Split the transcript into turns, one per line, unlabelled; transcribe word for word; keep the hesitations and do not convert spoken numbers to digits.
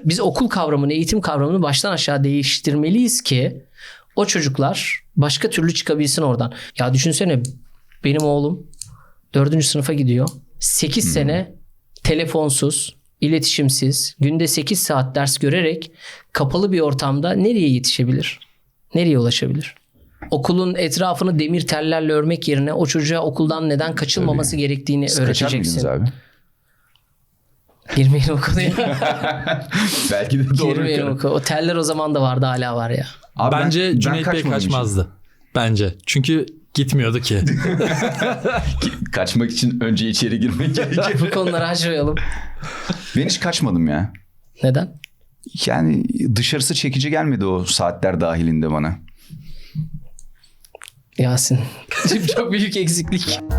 biz okul kavramını, eğitim kavramını baştan aşağı değiştirmeliyiz ki o çocuklar başka türlü çıkabilsin oradan. Ya düşünsene, benim oğlum dördüncü sınıfa gidiyor. sekiz hmm. sene telefonsuz, iletişimsiz, günde sekiz saat ders görerek kapalı bir ortamda nereye yetişebilir? Nereye ulaşabilir? Okulun etrafını demir tellerle örmek yerine o çocuğa okuldan neden kaçılmaması Tabii. gerektiğini Siz öğreteceksin.
Kaçar mıydınız abi?
Girmeyelim o konuya.
Belki de doğru.
Girmeyelim o konuya. O teller o zaman da vardı, hala var ya.
Abi Bence ben, Cüneyt ben Bey kaçmazdı. Için. Bence. Çünkü gitmiyordu ki.
Kaçmak için önce içeri girmek gerekir.
Bu konuları açmayalım.
Ben hiç kaçmadım ya.
Neden?
Yani dışarısı çekici gelmedi o saatler dahilinde bana.
Yasin. Çok büyük eksiklik.